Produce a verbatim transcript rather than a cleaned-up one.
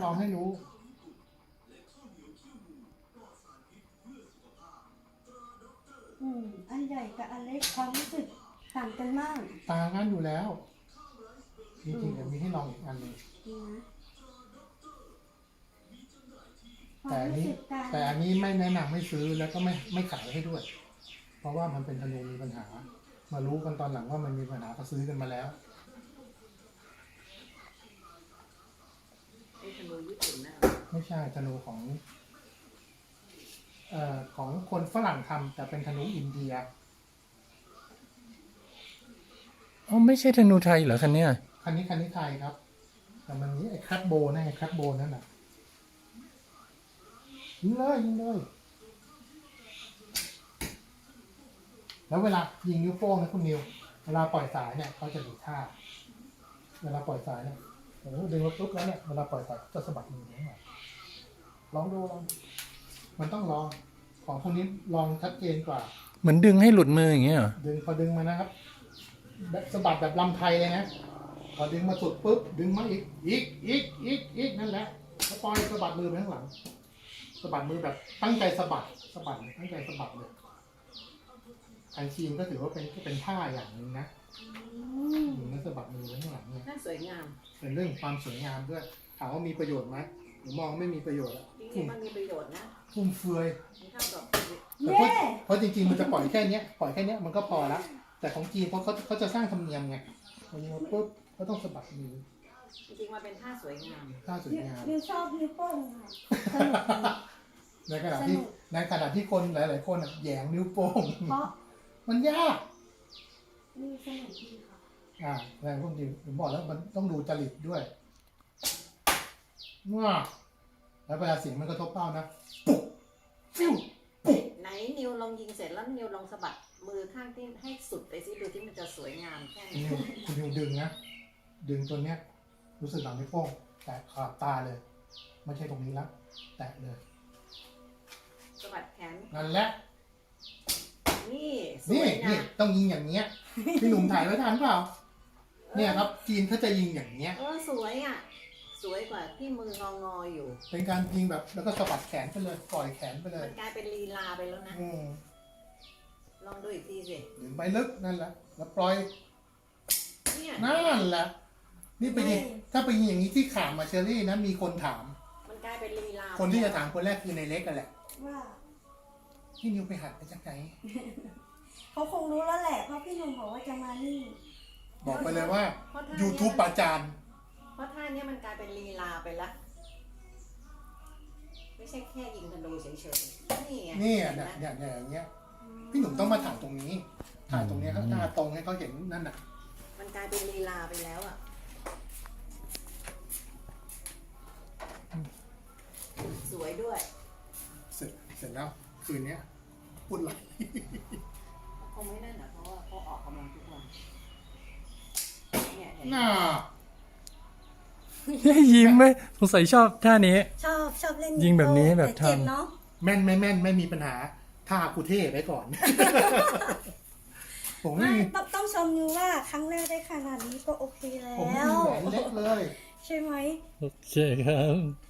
ลองให้รู้อืมอันใหญ่กับอันเล็กความรู้สึกต่างกันมากต่างกันอยู่แล้วจริงๆเดี๋ยวมีให้ลองอีกอันหนึ่งแต่อันนี้แต่อันนี้ไม่แนะนำให้ซื้อแล้วก็ไม่ไม่ขายให้ด้วยเพราะว่ามันเป็นธนูมีปัญหามารู้กันตอนหลังว่ามันมีปัญหาก็ซื้อกันมาแล้วไอ้ธนูญี่ปุ่นน่ะไม่ใช่ธนูของเอ่อของคนฝรั่งทำแต่เป็นธนูอินเดียอ๋อไม่ใช่ธนูไทยเหรอคันเนี้ยคันนี้คันนี้ไทยครับแต่มันนี้ไอ้คัตโบนั่นไงคัตโบนั่นน่ะยิงเลยยิงเลยแล้วเวลายิงนิ้วโป้งนะคุณนิวเวลาปล่อยสายเนี่ยเขาจะดีท่าเวลาปล่อยสายเนี่ยโอ้โหดึงรถปุ๊บแล้วเนี่ยเวลาปล่อยสายจะสะบัดมือทั้งหมดลองดูลองมันต้องลองของพวกนี้ลองชัดเจนกว่าเหมือนดึงให้หลุดมืออย่างเงี้ยเหรอดึงพอดึงมานะครับแบบสะบัดแบบลำไทยเลยนะพอดึงมาสุดปุ๊บดึงมาอีกอีกอีกอีกอีกนั่นแหละแล้วปล่อยสะบัดมือไปข้างหลังสะบัดมือแบบตั้งใจสะบัดสะบัดตั้งใจสะบัดเลยอันชีนก็ถือว่าเป็นเป็นท่าอย่างหนึ่งนะหนึ่งนักสะบัดมือไว้ข้างหลังเนี่ยน่าสวยงามเป็นเรื่องความสวยงามด้วยถามว่ามีประโยชน์ไหมหรือมองไม่มีประโยชน์อะจริงๆมันมีประโยชน์นะฟุ่มเฟือยมันเท่ากับแต่เพราะเพราะจริงๆมันจะปล่อยแค่นี้ปล่อยแค่นี้มันก็พอละแต่ของจีนเพราะเขาเขาจะสร้างธรรมเนียมไงพอยิงปุ๊บก็ต้องสะบัดมือจริงๆมันเป็นท่าสวยงามท่าสวยงามนิวชอบนิ้วโป้งค่ะในขณะที่ในขณะที่คนหลายๆคนแหยงนิ้วโป้งเพราะมันยากนี่สนุกดีค่ะอ่าแรงพวกนี้ผมบอกแล้วมันต้องดูจริตด้วยว้าแล้วเวลาเสียงมันกระทบเป้านะปุ๊บฟิวปุ๊บไหนนิวลองยิงเสร็จแล้วนิวลองสะบัดมือข้างที่ให้สุดไปสิดูที่มันจะสวยงามแค่ไหนคุณนิวดึงนะดึงตัวเนี้ยรู้สึกหลังนิ้วโป้งแตะขอบตาเลยไม่ใช่ตรงนี้แล้วแตะเลยสะบัดแขนนั่นแหละนี่นี่นี่ต้องยิงอย่างเงี้ยพี่หนุ่มถ่ายไว้ทันเปล่าเนี่ยครับจีนเขาจะยิงอย่างเงี้ยเออสวยอ่ะสวยกว่าที่มืององออยู่เป็นการยิงแบบแล้วก็สะบัดแขนไปเลยปล่อยแขนไปเลยมันกลายเป็นลีลาไปแล้วนะลองดูอีกทีสิดึงไปลึกนั่นแหละแล้วปล่อยเนี่ยนั่นแหละนี่ไปยิงถ้าไปยิงอย่างนี้ที่ข่าวมาเชอรี่นะมีคนถามมันกลายเป็นลีลาคนที่จะถามคนแรกคือในเล็กกันแหละว่าพี่นิวไปหัดไปจากไหนเขาคงรู้แล้วแหละเพราะพี่หนุ่มบอกว่าจะมานี่บอกไปเลยว่า YouTube ประจานเพราะท่านี้มันกลายเป็นลีลาไปแล้วไม่ใช่แค่ยิงธนูเฉยๆนี่ไงนี่อ่ะเนี่ยเนี่ยอย่างเงี้ยพี่หนุ่มต้องมาถ่ายตรงนี้ถ่ายตรงนี้ครับหน้าตรงให้เขาเห็นนั่นน่ะมันกลายเป็นลีลาไปแล้วอ่ะสวยด้วยเสร็จเสร็จแล้วคืนนี้พูดไหลคงไม่นั่นนะเพราะว่าเขาออกกำลังทุกวันเนี่ยน่ายิ้มไหมสงสัยชอบท่านี้ชอบชอบเล่นยิงแบบนี้แบบทำเนาะแม่นไม่แม่นไม่มีปัญหาท่ากูเท่ไว้ก่อนผมไม่ต้องต้องชมนิวว่าครั้งแรกได้ขนาดนี้ก็โอเคแล้วผมไม่มีแหวนเล็กเลยใช่ไหมโอเคครับ